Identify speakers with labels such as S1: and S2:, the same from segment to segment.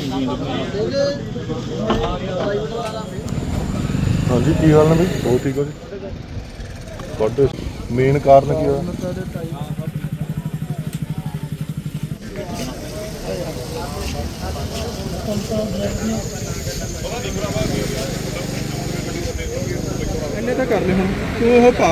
S1: हाँ जी की हाल ने भाई? बहुत ठीक हो जी। गुड। मेन कारण की होया?
S2: इन्ने तो कर ले हम तू वो पा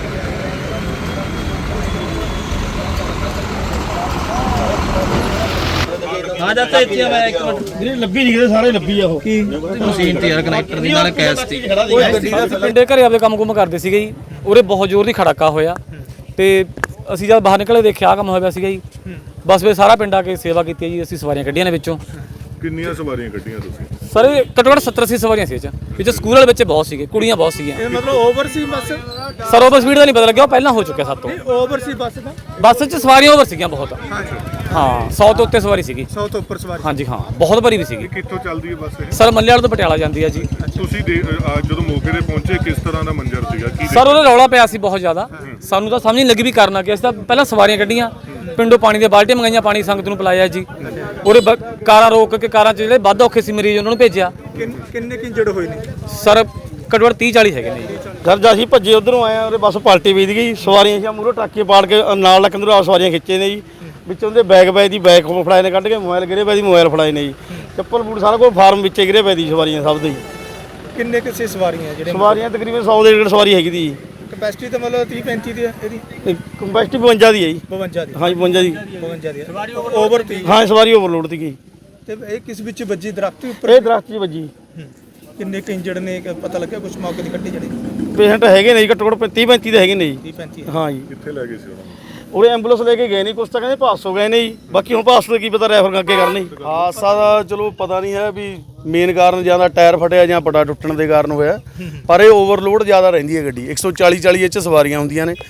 S3: हाँ जाता इतने मैं एक मिनट
S1: ਲੱਭੀ ਨਹੀਂ ਕਿਤੇ ਸਾਰੇ ਲੱਭੀ ਆ ਉਹ
S2: की
S3: ਮਸ਼ੀਨ ਤੇ ਯਾਰ ਕਨੈਕਟਰ ਦੀ ਨਾਲ ਕੈਸ ਤੀ
S4: ਪਿੰਡੇ ਘਰੇ ਆਪਦੇ ਕੰਮ ਕਰਦੇ ਸੀਗੇ ਜੀ। ਉਰੇ ਬਹੁਤ ਜ਼ੋਰ ਦੀ ਖੜਾਕਾ ਹੋਇਆ ਤੇ ਅਸੀਂ ਜਦ ਬਾਹਰ ਨਿਕਲੇ ਦੇਖਿਆ ਕੰਮ ਹੋਇਆ ਸੀਗਾ ਜੀ। ਬਸ ਫਿਰ ਸਾਰਾ ਪਿੰਡ ਆ ਕੇ ਸੇਵਾ ਕੀਤੀ ਹੈ ਜੀ। ਅਸੀਂ ਸਵਾਰੀਆਂ ਕੱਢੀਆਂ ਨੇ ਵਿੱਚੋਂ।
S1: ਕਿੰਨੀਆਂ ਸਵਾਰੀਆਂ ਕੱਢੀਆਂ ਤੁਸੀਂ?
S4: ਸਰ ਘੱਟੋ ਘੱਟ 70-80 ਸਵਾਰੀਆਂ ਸੀ ਇਹ 'ਚ। ਵਿੱਚ ਸਕੂਲ ਵਾਲੇ ਬੱਚੇ ਬਹੁਤ ਸੀਗੇ, ਕੁੜੀਆਂ ਬਹੁਤ ਸੀਗੀਆਂ।
S2: ये मतलब ओवर सी बस
S4: ਸਰ ਓਵਰ ਸਪੀਡ ਦਾ ਨਹੀਂ ਪਤਾ ਲੱਗਿਆ, ਉਹ ਪਹਿਲਾਂ ਹੋ ਚੁੱਕਿਆ ਸਾਡੇ ਤੋਂ।
S2: ओवर सी बस था
S4: ਬੱਸ 'ਚ ਸਵਾਰੀਆਂ ਓਵਰ ਸੀਗੀਆਂ ਬਹੁਤ। ਹਾਂ 100 ਤੋਂ ਉੱਤੇ ਸਵਾਰੀ ਸੀਗੀ।
S2: 100 तो ऊपर सवारी
S4: ਹਾਂਜੀ ਹਾਂ ਬਹੁਤ ਭਰੀ ਵੀ ਸੀਗੀ।
S1: ਕਿੱਥੋਂ ਚੱਲਦੀ ਹੈ ਬੱਸ ਇਹ?
S4: ਸਰ ਮੱਲੇ ਵਾਲੇ ਤੋਂ ਪਟਿਆਲਾ ਜਾਂਦੀ ਹੈ ਜੀ।
S1: ਤੁਸੀਂ ਜਦੋਂ ਮੌਕੇ ਤੇ ਪਹੁੰਚੇ ਕਿਸ ਤਰ੍ਹਾਂ ਦਾ ਮੰਜ਼ਰ ਸੀਗਾ? ਕੀ
S4: ਸਰ ਉਹਦਾ ਰੌਲਾ ਪਿਆ ਸੀ ਬਹੁਤ ਜ਼ਿਆਦਾ। ਸਾਨੂੰ ਤਾਂ ਸਮਝ ਨਹੀਂ ਲੱਗੀ ਵੀ ਕਰਨਾ ਕੀ। ਅਸੀਂ ਤਾਂ ਪਹਿਲਾਂ ਸਵਾਰੀਆਂ ਕੱਢੀਆਂ, ਪਿੰਡੋਂ ਪਾਣੀ ਦੀਆਂ ਬਾਲਟੀਆਂ ਮੰਗਾਈਆਂ, ਪਾਣੀ ਸੰਗਤ ਨੂੰ ਪਿਲਾਇਆ ਜੀ। ਉਹਦੇ ਕਾਰਾਂ ਰੋਕ ਕੇ ਕਾਰਾਂ 'ਚ ਜਿਹੜੇ ਵੱਧ ਔਖੇ ਸੀ ਮਰੀਜ਼ ਉਹਨਾਂ ਨੂੰ ਭੇਜਿਆ।
S2: किन्ने की इंजर्ड हुए ने
S4: ਸਰ ਘੱਟੋ ਘੱਟ 30-40 ਹੈਗੇ ਨੇ ਜੀ।
S5: ਸਰ ਜਦ ਅਸੀਂ ਭੱਜੇ ਉਧਰੋਂ ਆਏ ਆ ਉਹਦੇ ਬੱਸ ਪਲਟੀ ਵੀਦ ਗਈ। ਸਵਾਰੀਆਂ ਸੀ ਮੂਹਰੋਂ ਟਰੱਕੇ ਪਾੜ ਕੇ ਨਾਲ ਲੱਕੰਦਰੋਂ ਆ ਸਵਾਰੀਆਂ ਖਿੱਚੇ ਨੇ ਜੀ। ਵਿੱਚੋਂ ਦੇ ਬੈਗ ਦੀ ਬੈਗ ਫੜਾਏ ਨੇ ਕੱਢ ਕੇ, ਮੋਬਾਈਲ ਗਿਰੇ ਪਏ ਦੀ ਮੋਬਾਈਲ ਫੜਾਏ ਨੇ ਜੀ। ਚੱਪਲ ਬੂਟ ਸਾਰਾ ਕੁਝ ਫਾਰਮ ਵਿੱਚੇ ਗਿਰੇ ਪਏ ਦੀ ਸਵਾਰੀਆਂ ਸਭ ਦੇ ਜੀ।
S2: किन्ने किसी सवारियां जेडे
S5: ਸਵਾਰੀਆਂ ਤਕਰੀਬਨ 100 ਦੇ ਡੇਢ ਸਵਾਰੀ ਹੈਗੀ ਦੀ ਜੀ।
S2: कैपेसिटी तो मतलब 30-35 दी है ਇਹਦੀ
S5: ਕੰਪੈਸਟੀ 52 ਦੀ ਹੈ ਜੀ।
S2: 52 ਦੀ
S5: ਹਾਂਜੀ 52 ਦੀ।
S2: 52 ਦੀ ਸਵਾਰੀ ਓਵਰ ਤੀ
S5: ਹਾਂ ਸਵਾਰੀ ਓਵਰਲੋਡ ਦੀ ਗਈ
S2: ਤੇ ਇਹ ਕਿਸ ਵਿੱਚ ਵੱਜੀ ਦਰਖਤ ਦੇ ਉੱਪਰ?
S5: ਇਹ ਦਰਖਤ 'ਚ ਵੱਜੀ।
S2: ਕਿੰਨੇ ਕਿ ਇੰਜਰਡ ਨੇ ਪਤਾ ਲੱਗਿਆ ਕੁਝ ਮੌਕੇ ਦੀ ਕੱਢੀ ਜਿਹੜੀ
S5: ਪੇਸ਼ੈਂਟ ਹੈਗੇ ਨੇ ਜੀ ਘੱਟੋ ਘੱਟ 30-35 ਦੇ ਹੈਗੇ ਨੇ ਜੀ।
S2: 30-35
S5: ਹਾਂ ਜੀ
S1: ਕਿੱਥੇ ਲੈ ਗਏ ਸੀ ਉਹਨਾਂ ਨੂੰ?
S5: ਉਹਦੇ ਐਂਬੂਲੈਂਸ ਲੈ ਕੇ ਗਏ ਨਹੀਂ, ਕੁਛ ਤਾਂ ਕਹਿੰਦੇ ਪਾਸ ਹੋ ਗਏ ਨੇ ਜੀ। ਬਾਕੀ ਹੁਣ ਪਾਸ ਤੋਂ ਕੀ ਪਤਾ ਰੈਫਰ ਅੱਗੇ ਕਰਨੀ। ਹਾਦਸਾ ਦਾ ਚਲੋ ਪਤਾ ਨਹੀਂ ਹੈ ਵੀ ਮੇਨ ਕਾਰਨ ਜਾਂ ਤਾਂ ਟਾਇਰ ਫਟਿਆ ਜਾਂ ਪਟਾ ਟੁੱਟਣ ਦੇ ਕਾਰਨ ਹੋਇਆ, ਪਰ ਇਹ ਓਵਰਲੋਡ ਜ਼ਿਆਦਾ ਰਹਿੰਦੀ ਹੈ ਗੱਡੀ। 140 ਇਹ 'ਚ ਸਵਾਰੀਆਂ ਹੁੰਦੀਆਂ ਨੇ।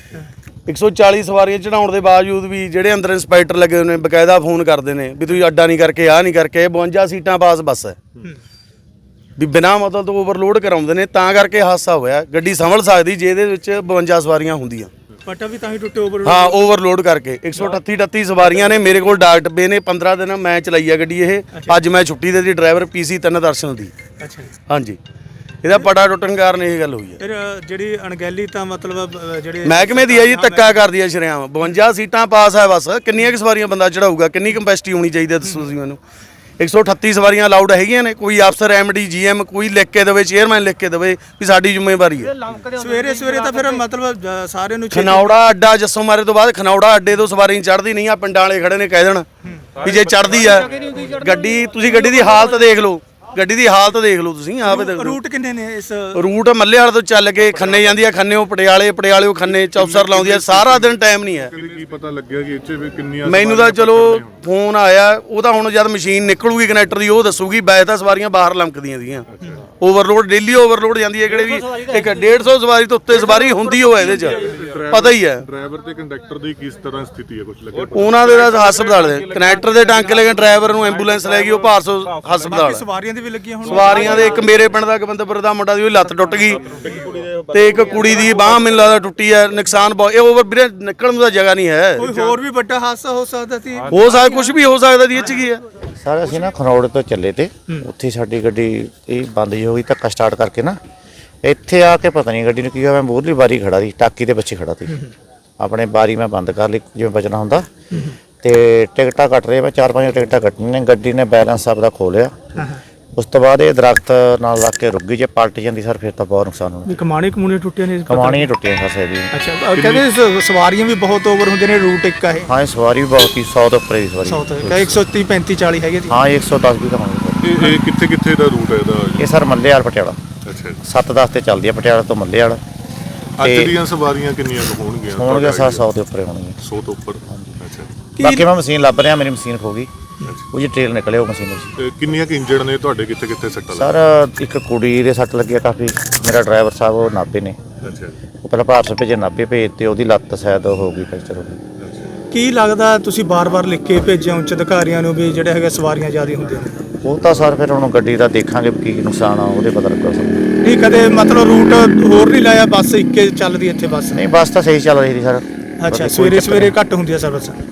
S5: 140 ਸਵਾਰੀਆਂ ਚੜਾਉਣ ਦੇ ਬਾਵਜੂਦ ਵੀ ਜਿਹੜੇ ਅੰਦਰ ਇੰਸਪੈਕਟਰ ਲੱਗੇ ਹੋਏ ਨੇ ਬਕਾਇਦਾ ਫੋਨ ਕਰਦੇ ਨੇ ਵੀ ਤੁਸੀਂ ਅੱਡਾ ਨਹੀਂ ਕਰਕੇ ਆਹ ਨਹੀਂ ਕਰਕੇ। 52 ਸੀਟਾਂ ਪਾਸ ਬੱਸ ਹੈ ਵੀ ਬਿਨਾਂ ਮਤਲਬ ਤੋਂ ਓਵਰਲੋਡ ਕਰਾਉਂਦੇ ਨੇ, ਤਾਂ ਕਰਕੇ ਹਾਦਸਾ ਹੋਇਆ। ਗੱਡੀ ਸੰਭਲ ਸਕਦੀ ਜੇ ਇਹਦੇ ਵਿੱਚ 52 ਸਵਾਰੀਆਂ ਹੁੰਦੀਆਂ।
S2: ਪਟਾ ਵੀ ਤਾਂ ਹੀ ਟੁੱਟੇ ਓਵਰ
S5: ਹਾਂ ਓਵਰਲੋਡ ਕਰਕੇ 138 ਸਵਾਰੀਆਂ ਨੇ। ਮੇਰੇ ਕੋਲ ਡਾਕ ਡੱਬੇ ਨੇ। 15 ਦਿਨ ਮੈਂ ਚਲਾਈ ਆ ਗੱਡੀ ਇਹ। ਅੱਜ ਮੈਂ ਛੁੱਟੀ ਦੇ ਦੀ ਡਰਾਈਵਰ PC 3 ਦਰਸ਼ਨ ਦੀ।
S2: ਅੱਛਾ
S5: ਹਾਂਜੀ ਇਹਦਾ ਪਟਾ ਟੁੱਟਣ ਕਾਰਨ ਇਹ ਗੱਲ ਹੋਈ ਹੈ।
S2: ਫਿਰ ਜਿਹੜੀ ਅਣਗਹਿਲੀ ਤਾਂ ਮਤਲਬ ਜਿਹੜੇ
S5: ਮਹਿਕਮੇ ਦੀ ਹੈ ਜੀ, ਧੱਕਾ ਕਰਦੀ ਹੈ ਸ਼ਰੇਆਮ। 52 ਸੀਟਾਂ ਪਾਸ ਹੈ ਬੱਸ। ਕਿੰਨੀਆਂ ਕੁ ਸਵਾਰੀਆਂ ਬੰਦਾ ਚੜਾਊਗਾ? ਕਿੰਨੀ ਕੰਪੈਸਿਟੀ ਹੋਣੀ ਚਾਹੀਦੀ ਹੈ ਦੱਸੋ ਤੁਸੀਂ ਮੈਨੂੰ। 138 ਸਵਾਰੀਆਂ ਅਲਾਉਡ ਹੈਗੀਆਂ ਨੇ। ਕੋਈ ਅਫਸਰ MD GM ਕੋਈ ਲਿਖ ਕੇ ਦੇਵੇ, ਚੇਅਰਮੈਨ ਲਿਖ ਕੇ ਦੇਵੇ ਵੀ ਸਾਡੀ ਜ਼ਿੰਮੇਵਾਰੀ ਹੈ।
S2: ਸਵੇਰੇ ਤਾਂ ਫਿਰ ਮਤਲਬ ਸਾਰਿਆਂ ਨੂੰ
S5: ਖਨੌੜਾ ਅੱਡਾ ਜੱਸੋ ਮਾਰੇ ਤੋਂ ਬਾਅਦ ਖਨੌੜਾ ਅੱਡੇ ਤੋਂ ਸਵਾਰੀ ਚੜ੍ਹਦੀ ਨਹੀਂ ਆ। ਪਿੰਡਾਂ ਵਾਲੇ ਖੜੇ ਨੇ ਕਹਿ ਦੇਣ ਵੀ ਜੇ ਚੜ੍ਹਦੀ ਆ ਗੱਡੀ, ਤੁਸੀਂ ਗੱਡੀ ਦੀ ਹਾਲਤ ਦੇਖ ਲਓ। ਗੱਡੀ ਦੀ ਹਾਲਤ ਦੇਖ ਲਓ ਤੁਸੀਂ ਆਪੇ ਦੇਖ ਲਓ।
S2: ਰੂਟ ਕਿੰਨੇ ਨੇ ਇਸ
S5: ਰੂਟ ਮੱਲੇ ਵਾਲੇ ਤੋਂ ਚੱਲ ਕੇ ਖੰਨੇ ਜਾਂਦੀ ਆ, ਖੰਨੇੋਂ ਪਟਿਆਲੇੋਂ ਖੰਨੇ ਚੌਪਸਰ ਲਾਉਂਦੀ ਆ। ਸਾਰਾ ਦਿਨ ਟਾਈਮ ਨਹੀਂ ਹੈ।
S1: ਕੀ ਪਤਾ ਲੱਗਿਆ ਕਿ ਇੱਥੇ ਵੀ ਕਿੰਨੀਆਂ
S5: ਮੈਨੂੰ ਤਾਂ ਚਲੋ ਫੋਨ ਆਇਆ, ਉਹ ਤਾਂ ਹੁਣ ਜਦ ਮਸ਼ੀਨ ਨਿਕਲੂਗੀ ਕਨੈਕਟਰ ਦੀ ਉਹ ਦੱਸੂਗੀ। ਵੈਸੇ ਤਾਂ ਸਵਾਰੀਆਂ ਬਾਹਰ ਲੰਕਦੀਆਂ ਸੀਗੀਆਂ। ਓਵਰਲੋਡ ਡੇਲੀ ਓਵਰਲੋਡ ਜਾਂਦੀ ਹੈ। ਕਿਹੜੇ ਵੀ ਇੱਕ 150 ਸਵਾਰੀ ਤੋਂ ਉੱਤੇ ਸਵਾਰੀ ਹੁੰਦੀ ਹੋਵੇ ਇਹਦੇ 'ਚ ਪਤਾ ਹੀ ਹੈ।
S1: ਡਰਾਈਵਰ ਤੇ ਕੰਡਕਟਰ ਦੀ ਕਿਸ ਤਰ੍ਹਾਂ ਸਥਿਤੀ ਹੈ? ਕੁਝ ਲੱਗਿਆ?
S5: ਉਹਨਾਂ ਦੇ ਤਾਂ ਹਸਪਤਾਲ ਦੇ ਕਨੈਕਟਰ ਦੇ ਟਾਂਕੇ ਲੈ ਕੇ ਡਰਾਈਵਰ ਨੂੰ ਐਂਬੂਲੈਂਸ ਲੈ ਗਈ ਉਹ ਭਾਰਸੋ ਹਸਪਤਾਲ।
S2: ਸਵਾਰੀਆਂ ਦੀ ਵੀ ਲੱਗੀਆਂ ਹੁਣ?
S5: ਸਵਾਰੀਆਂ ਦੇ ਇੱਕ ਮੇਰੇ ਪਿੰਡ ਦਾ ਗੋਬਿੰਦਪੁਰ ਦਾ ਮੁੰਡਾ ਦੀ ਉਹਦੀ ਲੱਤ ਟੁੱਟ ਗਈ ਤੇ ਇੱਕ ਕੁੜੀ ਦੀ ਬਾਂਹ ਮੈਨੂੰ ਲੱਗਦਾ ਟੁੱਟੀ ਹੈ। ਨੁਕਸਾਨ ਬਹੁਤ। ਇਹ ਓਵਰ ਵੀਰੇ ਨਿਕਲਣ ਨੂੰ ਤਾਂ ਜਗ੍ਹਾ ਨਹੀਂ ਹੈ।
S2: ਕੋਈ ਹੋਰ ਵੀ ਵੱਡਾ ਹਾਦਸਾ ਹੋ ਸਕਦਾ ਸੀ?
S5: ਹੋ ਸਕਦਾ ਕੁਝ ਵੀ ਹੋ ਸਕਦਾ ਦੀ ਇਹ 'ਚ ਕੀ ਹੈ।
S6: ਸਰ ਅਸੀਂ ਨਾ ਖਰੋੜ ਤੋਂ ਚੱਲੇ ਤੇ ਉੱਥੇ ਸਾਡੀ ਗੱਡੀ ਇਹ ਬੰਦ ਹੋ ਗਈ। ਧੱਕਾ ਸਟਾਰਟ ਕਰਕੇ ਨਾ ਇੱਥੇ ਆ ਕੇ ਪਤਾ ਨਹੀਂ ਗੱਡੀ ਨੂੰ ਕੀ ਹੋਇਆ। ਮੈਂ ਮੂਹਰਲੀ ਬਾਰੀ ਖੜਾ ਸੀ, ਟਾਕੀ ਦੇ ਪਿੱਛੇ ਖੜਾ ਸੀ। ਆਪਣੇ ਬਾਰੀ ਮੈਂ ਬੰਦ ਕਰ ਲਈ ਜਿਵੇਂ ਬਚਣਾ ਹੁੰਦਾ ਤੇ ਟਿਕਟਾਂ ਕੱਟ ਰਹੇ। ਮੈਂ 4-5 ਟਿਕਟਾਂ ਕੱਟਣੀਆਂ ਨੇ। ਗੱਡੀ ਨੇ ਬੈਲੈਂਸ ਆਪਦਾ ਖੋ ਲਿਆ। ਉਸ ਤੋਂ ਬਾਅਦ ਇਹ ਦਰਖਤ ਨਾਲ ਲੱਗ ਕੇ ਰੁਕ ਗਈ। ਜੇ ਪਲਟ ਜਾਂਦੀ ਸਰ ਫਿਰ ਤਾਂ ਬਹੁਤ ਨੁਕਸਾਨ ਹੋਣਾ।
S2: ਕਮਾਣੇ ਟੁੱਟੇ ਨੇ?
S6: ਕਮਾਣੀਆਂ ਟੁੱਟੀਆਂ ਫਸੇ ਦੀ।
S2: ਅੱਛਾ ਕਹਿੰਦੇ ਸਵਾਰੀਆਂ ਵੀ ਬਹੁਤ ਓਵਰ ਹੁੰਦੇ ਨੇ। ਰੂਟ ਇੱਕ ਆ ਇਹ?
S6: ਹਾਂ ਸਵਾਰੀ ਵੀ ਬਹੁਤ ਹੀ 100 ਤੋਂ ਉੱਪਰ ਦੀ ਸਵਾਰੀ।
S2: 130 35 40 ਹੈਗੇ ਸੀ?
S6: ਹਾਂ 110 ਵੀ ਤਾਂ ਹੋਣੀ।
S1: ਇਹ ਕਿੱਥੇ ਦਾ ਰੂਟ ਹੈ ਇਹਦਾ?
S6: ਇਹ ਸਰ ਮੱਲੇ ਵਾਲ ਪਟਿਆਲਾ।
S1: ਅੱਛਾ
S6: 7-10 ਤੇ ਚੱਲਦੀ ਆ ਪਟਿਆਲਾ ਤੋਂ ਮੱਲੇ ਵਾਲ।
S1: ਅੱਜ ਦੀਆਂ ਸਵਾਰੀਆਂ ਕਿੰਨੀਆਂ ਹੋਣਗੀਆਂ?
S6: ਹੋਣਗੇ ਸਰ 100 ਦੇ ਉੱਪਰ ਹੋਣਗੇ।
S1: 100 ਤੋਂ ਉੱਪਰ। ਅੱਛਾ
S6: ਬਾਕੀ ਮੈਂ ਮਸ਼ੀਨ ਲੱਭ ਰਿਹਾ। ਮੇਰੀ ਮਸ਼ੀਨ ਖੋ ਗਈ। ਉਹ ਜੀ ਟ੍ਰੇਲ ਨਿਕਲੇ ਉਹ ਮਸ਼ੀਨ ਵਿੱਚ।
S1: ਤੇ ਕਿੰਨੀਆਂ ਕਿ ਇੰਜਰਡ ਨੇ ਤੁਹਾਡੇ? ਕਿੱਥੇ ਸੱਟਾਂ
S6: ਸਰ ਇੱਕ ਕੁੜੀ ਦੇ ਸੱਟ ਲੱਗੀ ਆ ਕਾਫੀ। ਮੇਰਾ ਡਰਾਈਵਰ ਸਾਹਿਬ ਉਹ ਨਾਭੇ ਨੇ।
S1: ਅੱਛਾ
S6: ਉਹ ਪਹਿਲਾਂ ਭਾਰਤ ਭੇਜੇ, ਨਾਭੇ ਭੇਜ ਤੇ ਉਹਦੀ ਲੱਤ ਸ਼ਾਇਦ ਹੋ ਗਈ ਫ੍ਰੈਕਚਰ ਹੋ ਗਈ।
S2: ਕੀ ਲੱਗਦਾ ਤੁਸੀਂ ਬਾਰ-ਬਾਰ ਲਿਖ ਕੇ ਭੇਜਿਆ ਉੱਚ ਅਧਿਕਾਰੀਆਂ ਨੂੰ ਵੀ ਜਿਹੜੇ ਹੈਗੇ ਸਵਾਰੀਆਂ ਜ਼ਿਆਦਾ ਹੁੰਦੀਆਂ ਨੇ?
S6: ਉਹ ਤਾਂ ਸਰ ਫਿਰ ਹੁਣ ਗੱਡੀ ਦਾ ਦੇਖਾਂਗੇ ਕੀ ਨੁਕਸਾਨ ਆ ਉਹਦੇ ਪਤਾ ਲੱਗਾ ਸਰ।
S2: ਨਹੀਂ ਕਦੇ ਮਤਲਬ ਰੂਟ ਹੋਰ ਨਹੀਂ ਲਾਇਆ? ਬੱਸ ਇੱਕੇ ਚੱਲਦੀ ਇੱਥੇ ਬੱਸ?
S6: ਨਹੀਂ ਬੱਸ ਤਾਂ ਸਹੀ ਚੱਲ ਰਹੀ ਸੀ ਸਰ।
S2: ਅੱਛਾ ਸਵੇਰੇ ਘੱਟ ਹੁੰਦੀ ਆ ਸਰਵਿਸ?